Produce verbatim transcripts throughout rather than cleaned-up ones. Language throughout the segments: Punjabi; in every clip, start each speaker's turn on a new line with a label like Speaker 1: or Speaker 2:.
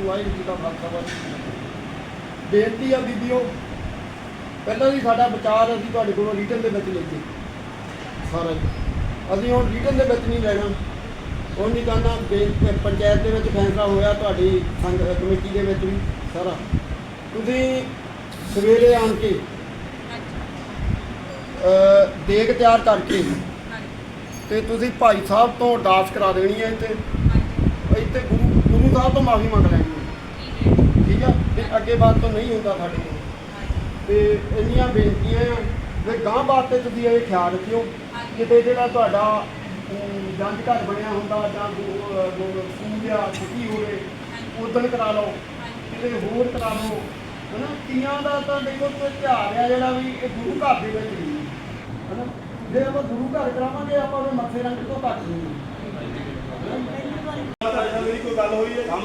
Speaker 1: वाहिगुरू जी का खालसा वाहिगुरू। बेनती आ बीबीओ, पहला भी साडा विचार असीं तुहाडे कोलों रिटन दे विच लैते सारा जी, असीं हुण रिटन दे विच नहीं लैना। हुण नहीं कहना पंचायत दे विच फैसला होया, तुहाडी संघ कमेटी दे विच भी सारा तुसीं सवेरे आण के देग तैयार करके ते तुसीं भाई साहब तो अरदास करा देनी है, इत्थे इत्थे गुरु गुरु साहब तो माफ़ी मंग लैनी है, ठीक है। फिर अगे बात तो नहीं होंदा साडे कोल। ते इन्नियां बेनतियां आ वे गांह वास्ते तुसीं ये ख्याल रखियो किते जिहड़ा तुहाडा जंज घर बनिया हुंदा जां स्कूल आ छुट्टी होवे उदण करा लो, किते होर करा लो, है ना। तियां दा तां देखो त्योहार आ जिहड़ा भी ये गुरु घर दे विच नहीं है ना। जे आप गुरु घर करावांगे आप मत्थे रंग तो घट नहीं।
Speaker 2: मेरी कोई गल हुई है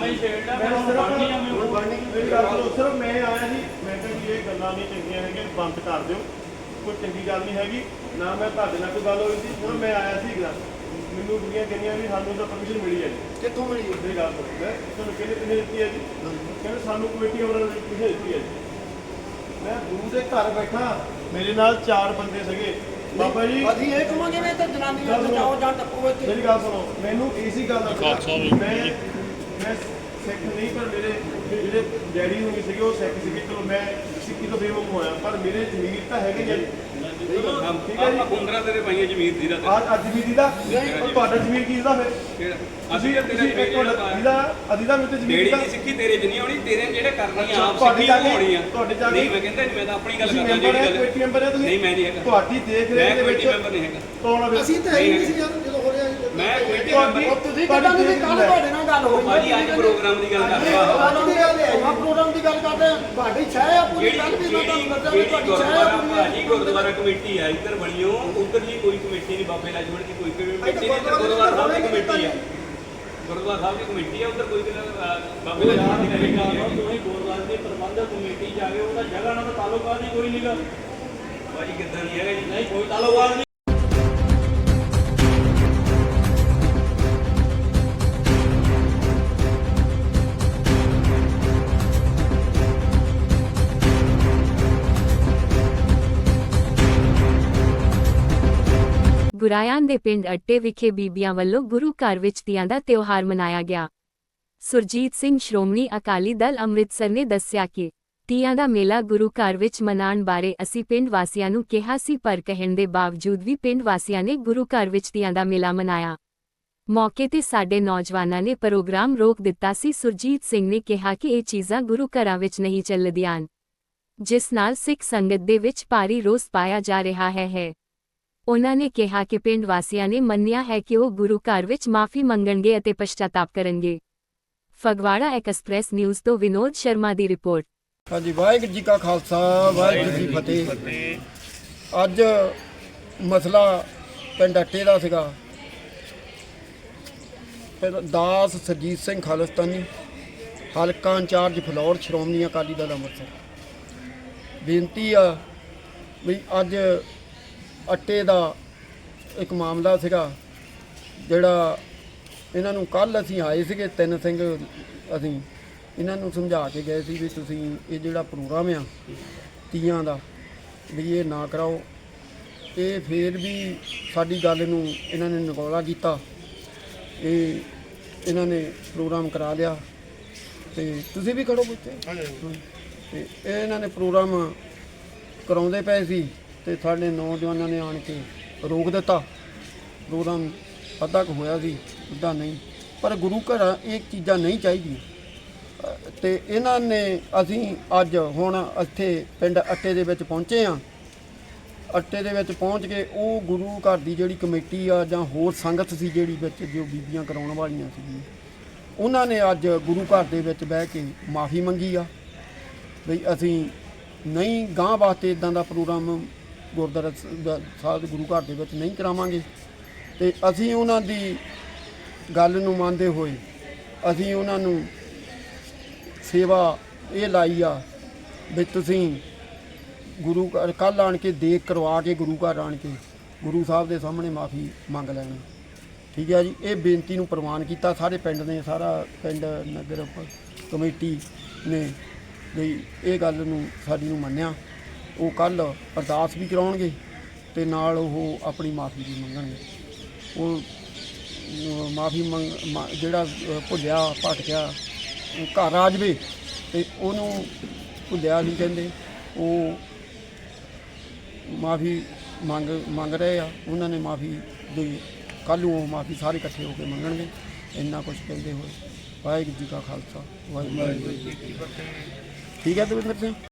Speaker 2: सिर्फ मैं आया जी, मैं ये गल्लां नहीं चंगियां है बंद कर दिओ, कोई चंगी गल नहीं हैगी ना। मैं तुहाडे नाल कोई गल हुई थी, हुण मैं आया सी मैनूं कुड़ियां कहियां भी सानूं तां परमिशन मिली है जी।
Speaker 1: कित्थों मिली?
Speaker 2: मेरी गल सुणो, मैं तुहानूं कहने किन्ने दित्ती है जी? कहंदे सानूं कमेटी वालिਆਂ ने परमिशन दित्ती है जी। मैं गुरु दे घर बैठा, मेरे नाल चार बंदे सीगे बाबा जी,
Speaker 1: ਅਸੀਂ ਇਹ ਕਹਾਂਗੇ ਵੀ ਤੇ ਜਨਾਨੀਆਂ ਬਚਾਓ ਜਾਂ ਟੱਪੋ ਇੱਥੇ।
Speaker 2: मेरी गल सुनो, मैनूं इसी गल दा मैं मैं सिख नहीं, पर मेरे ਜਿਹੜੇ ਡੈਡੀ ਨੂੰ ਵੀ ਸੀਗੇ ਉਹ ਸਿੱਖ ਸੀਗੇ, ਚਲੋ ਮੈਂ ਸਿੱਖੀ ਤੋਂ ਬੇਵਕੂਫ ਹੋਇਆ, ਪਰ ਮੇਰੇ ਜ਼ਮੀਰ ਤਾਂ ਹੈਗੇ ਜੀ। ਠੀਕ ਹੈ ਜੀ,
Speaker 3: ਪੰਦਰਾਂ ਤੇਰੇ ਪਾਈਆਂ ਜ਼ਮੀਰ ਦੀ ਦਾ
Speaker 2: ਅੱਜ ਅੱਜ ਵੀ ਦੀਦਾ ਨਹੀਂ, ਤੁਹਾਡਾ ਜ਼ਮੀਰ ਕੀ ਦਾ ਫਿਰ?
Speaker 3: ਅਸੀਂ ਤੇਰਾ
Speaker 2: ਦੀਦਾ ਅਦੀਦਾ ਮੇਰੇ ਤੇ ਜ਼ਮੀਰ
Speaker 3: ਜਿਹੜੀ
Speaker 2: ਦਾ
Speaker 3: ਨਹੀਂ ਸਿੱਖੀ ਤੇਰੇ ਚ ਨਹੀਂ ਆਉਣੀ, ਤੇਰੇ ਜਿਹੜੇ ਕਰਨੀ ਆ ਆਪ
Speaker 2: ਤੁਹਾਡੇ
Speaker 3: ਸਿੱਖੀ
Speaker 2: ਜਾ ਕੇ
Speaker 3: ਹੋਣੀ ਆ।
Speaker 2: ਤੁਹਾਡੇ ਜਾ ਕੇ
Speaker 3: ਨਹੀਂ ਮੈਂ ਕਹਿੰਦਾ ਮੈਂ ਤਾਂ ਆਪਣੀ ਗੱਲ
Speaker 2: ਤੁਸੀਂ
Speaker 3: ਕਰਦਾ
Speaker 2: ਮੈਂਬਰ ਹੈ,
Speaker 3: ਜਿਹੜੀ ਗੱਲ
Speaker 2: ਕਮੇਟੀ ਮੈਂਬਰ ਹੈ ਤੁਸੀਂ?
Speaker 3: ਨਹੀਂ ਮੈਂ ਨਹੀਂ ਹੈਗਾ,
Speaker 2: ਤੁਹਾਡੀ ਦੇਖ ਰੇਖ ਦੇ ਵਿੱਚ
Speaker 3: ਮੈਂਬਰ ਨਹੀਂ ਹੈਗਾ।
Speaker 2: ਕੌਣ ਆ?
Speaker 1: ਅਸੀਂ ਤਾਂ ਹੈ ਹੀ ਨਹੀਂ ਸੀ ਯਾਰ ਜਦੋਂ ਹੋ ਰਿਹਾ
Speaker 3: ਮੈਂ ਕਮੇਟੀ
Speaker 2: ਤੁਹਾਡੀ
Speaker 3: ਮੈਂਬਰ
Speaker 1: ਤੁਸੀਂ ਕਹਿੰਦਾ ਤੁਸੀਂ ਕੱਲ ਤੁਹਾਡੇ ਨਾਲ ਗੱਲ ਹੋਈ
Speaker 3: ਭਾਜੀ ਅੱਜ ਪ੍ਰੋਗਰਾਮ ਦੀ ਗੱਲ ਕਰਦਾ
Speaker 1: ਆ ਪ੍ਰੋਗਰਾਮ ਦੀ ਗੱਲ ਕਰਦੇ ਆ, ਤੁਹਾਡੀ ਛਾਇਆ ਆ ਪੂਰੀ ਗੱਲ ਵੀ ਮੈਂ ਤੁਹਾਨੂੰ ਦੱਸਿਆ ਵੀ ਤੁਹਾਡੀ ਛਾਇਆ ਆ ਪੂਰੀ।
Speaker 3: ਭਾਜੀ ਗੁਰਦੁਆਰਾ ਕਮੇਟੀ ਆ ਇੱਧਰ ਬਣੀ ਹੋ, ਉੱਧਰ ਜੀ ਕੋਈ ਕਮੇਟੀ ਨਹੀਂ, ਬਾਬੇ ਲਾਜਵੜ ਦੀ ਕੋਈ ਕਮੇਟੀ ਨਹੀਂ, ਇੱਧਰ ਗੁਰਦੁਆਰਾ ਸਾਹਿਬ ਦੀ ਕਮੇਟੀ ਆ, ਗੁਰਦੁਆਰਾ ਸਾਹਿਬ ਦੀ ਕਮੇਟੀ ਆ, ਉੱਧਰ ਕੋਈ ਬਾਬੇ ਲਾਜਵੜ ਦੀ ਕਮੇਟੀ ਨਹੀਂ।
Speaker 4: ਤੁਸੀਂ ਗੁਰਦੁਆਰੇ ਦੀ ਪ੍ਰਬੰਧਕ ਕਮੇਟੀ ਜਾ ਕੇ ਉਹਦਾ ਜਗ੍ਹਾ ਨਾਲ ਤਾਂ ਤਾਲੁਕਾਤ ਹੀ ਕੋਈ ਨਹੀਂਗਾ।
Speaker 3: ਭਾਜੀ ਕਿੱਦਾਂ ਨਹੀਂ ਹੈਗਾ ਜੀ?
Speaker 4: ਨਹੀਂ ਕੋਈ ਤਾਲੁਕਾਤ ਨਹੀਂ।
Speaker 5: ਗੁਰਾਇਆਂ ਦੇ ਪਿੰਡ ਅੱਟੇ ਵਿਖੇ ਬੀਬੀਆਂ ਵੱਲੋਂ ਗੁਰੂ ਘਰ ਵਿੱਚ ਤੀਆਂ ਦਾ ਤਿਉਹਾਰ ਮਨਾਇਆ ਗਿਆ। ਸੁਰਜੀਤ ਸਿੰਘ ਸ਼੍ਰੋਮਣੀ ਅਕਾਲੀ ਦਲ ਅੰਮ੍ਰਿਤਸਰ ਨੇ ਦੱਸਿਆ ਕਿ ਤੀਆਂ ਦਾ ਮੇਲਾ ਗੁਰੂ ਘਰ ਵਿੱਚ ਮਨਾਉਣ ਬਾਰੇ ਅਸੀਂ ਪਿੰਡ ਵਾਸੀਆਂ ਨੂੰ ਕਿਹਾ ਸੀ, ਪਰ ਕਹਿਣ ਦੇ ਬਾਵਜੂਦ ਵੀ ਪਿੰਡ ਵਾਸੀਆਂ ਨੇ ਗੁਰੂ ਘਰ ਵਿੱਚ ਤੀਆਂ ਦਾ ਮੇਲਾ ਮਨਾਇਆ। ਮੌਕੇ ਤੇ ਸਾਡੇ ਨੌਜਵਾਨਾਂ ਨੇ ਪ੍ਰੋਗਰਾਮ ਰੋਕ ਦਿੱਤਾ ਸੀ। ਸੁਰਜੀਤ ਸਿੰਘ ਨੇ ਕਿਹਾ ਕਿ ਇਹ ਚੀਜ਼ਾਂ ਗੁਰੂ ਘਰਾਂ ਵਿੱਚ ਨਹੀਂ ਚੱਲਦੀਆਂ, ਜਿਸ ਨਾਲ ਸਿੱਖ ਸੰਗਤ ਦੇ ਵਿੱਚ ਭਾਰੀ ਰੋਸ ਪਾਇਆ ਜਾ ਰਿਹਾ ਹੈ ਹੈ ਉਨ੍ਹਾਂ ਨੇ ਕਿਹਾ ਕਿ ਪਿੰਡ ਵਾਸੀਆਂ ਨੇ ਮੰਨਿਆ ਹੈ ਕਿ ਉਹ ਗੁਰੂ ਘਰ ਵਿੱਚ ਮਾਫੀ ਮੰਗਣਗੇ ਅਤੇ ਪਛਤਾਤਾਪ ਕਰਨਗੇ। ਫਗਵਾੜਾ ਐਕਸਪ੍ਰੈਸ ਨਿਊਜ਼ ਤੋਂ ਵਿਨੋਦ ਸ਼ਰਮਾ ਦੀ ਰਿਪੋਰਟ।
Speaker 1: ਹਾਂਜੀ, ਵਾਹਿਗੁਰੂ ਜੀ ਕਾ ਖਾਲਸਾ ਵਾਹਿਗੁਰੂ ਜੀ ਕੀ ਫਤਿਹ। ਅੱਜ ਮਸਲਾ ਪਿੰਡ ਅੱਟੇ ਦਾ ਸੀਗਾ। ਦਾਸ ਸਰਜੀਤ ਸਿੰਘ ਖਾਲਿਸਤਾਨੀ, ਹਲਕਾ ਇੰਚਾਰਜ ਫਲੌਰ, ਸ਼੍ਰੋਮਣੀ ਅਕਾਲੀ ਦਲ ਅੰਮ੍ਰਿਤਸਰ। ਬੇਨਤੀ ਆ ਵੀ ਅੱਜ ਅੱਟੇ ਦਾ ਇੱਕ ਮਾਮਲਾ ਸੀਗਾ ਜਿਹੜਾ ਇਹਨਾਂ ਨੂੰ ਕੱਲ੍ਹ ਅਸੀਂ ਆਏ ਸੀਗੇ ਤਿੰਨ ਸਿੰਘ, ਅਸੀਂ ਇਹਨਾਂ ਨੂੰ ਸਮਝਾ ਕੇ ਗਏ ਸੀ ਵੀ ਤੁਸੀਂ ਇਹ ਜਿਹੜਾ ਪ੍ਰੋਗਰਾਮ ਆ ਤੀਆਂ ਦਾ ਵੀ ਇਹ ਨਾ ਕਰਾਓ। ਇਹ ਫਿਰ ਵੀ ਸਾਡੀ ਗੱਲ ਨੂੰ ਇਹਨਾਂ ਨੇ ਨਗੌਲਾ ਕੀਤਾ, ਇਹ ਇਹਨਾਂ ਨੇ ਪ੍ਰੋਗਰਾਮ ਕਰਾ ਲਿਆ। ਤੇ ਤੁਸੀਂ ਵੀ ਖੜੋ ਬੱਚੇ। ਤੇ ਇਹ ਇਹਨਾਂ ਨੇ ਪ੍ਰੋਗਰਾਮ ਕਰਾਉਂਦੇ ਪਏ ਸੀ ਤੇ ਸਾਡੇ ਨੌਜਵਾਨਾਂ ਨੇ ਆਣ ਕੇ ਰੋਕ ਦਿੱਤਾ। ਪ੍ਰੋਗਰਾਮ ਅੱਧਾ ਕੁ ਹੋਇਆ ਸੀ, ਅੱਧਾ ਨਹੀਂ, ਪਰ ਗੁਰੂ ਘਰਾਂ ਇਹ ਚੀਜ਼ਾਂ ਨਹੀਂ ਚਾਹੀਦੀਆਂ। ਤੇ ਇਹਨਾਂ ਨੇ ਅਸੀਂ ਅੱਜ ਹੁਣ ਇੱਥੇ ਪਿੰਡ ਅੱਟੇ ਦੇ ਵਿੱਚ ਪਹੁੰਚੇ ਹਾਂ। ਅੱਟੇ ਦੇ ਵਿੱਚ ਪਹੁੰਚ ਕੇ ਉਹ ਗੁਰੂ ਘਰ ਦੀ ਜਿਹੜੀ ਕਮੇਟੀ ਆ ਜਾਂ ਹੋਰ ਸੰਗਤ ਸੀ ਜਿਹੜੀ ਵਿੱਚ ਜੋ ਬੀਬੀਆਂ ਕਰਾਉਣ ਵਾਲੀਆਂ ਸੀਗੀਆਂ, ਉਹਨਾਂ ਨੇ ਅੱਜ ਗੁਰੂ ਘਰ ਦੇ ਵਿੱਚ ਬਹਿ ਕੇ ਮਾਫੀ ਮੰਗੀ ਆ ਵੀ ਅਸੀਂ ਨਹੀਂ ਗਾਂਹ ਵਾਸਤੇ ਇੱਦਾਂ ਦਾ ਪ੍ਰੋਗਰਾਮ ਗੁਰਦੁਆਰਾ ਸਾਹਿਬ ਗੁਰੂ ਘਰ ਦੇ ਵਿੱਚ ਨਹੀਂ ਕਰਾਵਾਂਗੇ। ਤੇ ਅਸੀਂ ਉਹਨਾਂ ਦੀ ਗੱਲ ਨੂੰ ਮੰਨਦੇ ਹੋਏ ਅਸੀਂ ਉਹਨਾਂ ਨੂੰ ਸੇਵਾ ਇਹ ਲਾਈ ਆ ਵੀ ਤੁਸੀਂ ਗੁਰੂ ਘਰ ਕੱਲ੍ਹ ਆਣ ਕੇ ਦੇਖ ਕਰਵਾ ਕੇ ਗੁਰੂ ਘਰ ਆਣ ਕੇ ਗੁਰੂ ਸਾਹਿਬ ਦੇ ਸਾਹਮਣੇ ਮਾਫੀ ਮੰਗ ਲੈਣੀ। ਠੀਕ ਹੈ ਜੀ। ਇਹ ਬੇਨਤੀ ਨੂੰ ਪ੍ਰਵਾਨ ਕੀਤਾ ਸਾਰੇ ਪਿੰਡ ਨੇ, ਸਾਰਾ ਪਿੰਡ ਨਗਰ ਪ- ਕਮੇਟੀ ਨੇ ਵੀ ਇਹ ਗੱਲ ਨੂੰ ਸਾਡੀ ਨੂੰ ਮੰਨਿਆ। ਉਹ ਕੱਲ੍ਹ ਅਰਦਾਸ ਵੀ ਕਰਾਉਣਗੇ ਅਤੇ ਨਾਲ ਉਹ ਆਪਣੀ ਮਾਫੀ ਵੀ ਮੰਗਣਗੇ। ਉਹ ਮਾਫੀ ਮੰਗ ਮਾ- ਜਿਹੜਾ ਅ, ਭੁੱਲਿਆ ਭਟਕਿਆ ਘਰ ਆ ਜਾਵੇ ਅਤੇ ਉਹਨੂੰ ਭੁੱਲਿਆ ਨਹੀਂ ਕਹਿੰਦੇ, ਉਹ ਮਾਫੀ ਮੰਗ ਮੰਗ ਰਹੇ ਆ। ਉਹਨਾਂ ਨੇ ਮਾਫੀ ਦੀ ਕੱਲ੍ਹ ਨੂੰ ਉਹ ਮਾਫੀ ਸਾਰੇ ਇਕੱਠੇ ਹੋ ਕੇ ਮੰਗਣਗੇ। ਇੰਨਾ ਕੁਛ ਕਹਿੰਦੇ ਹੋਏ ਵਾਹਿਗੁਰੂ ਜੀ ਕਾ ਖਾਲਸਾ ਵਾਹਿਗੁਰੂ ਜੀ ਕੀ ਫਤਿਹ। ਠੀਕ ਹੈ ਦਵਿੰਦਰ ਸਿੰਘ।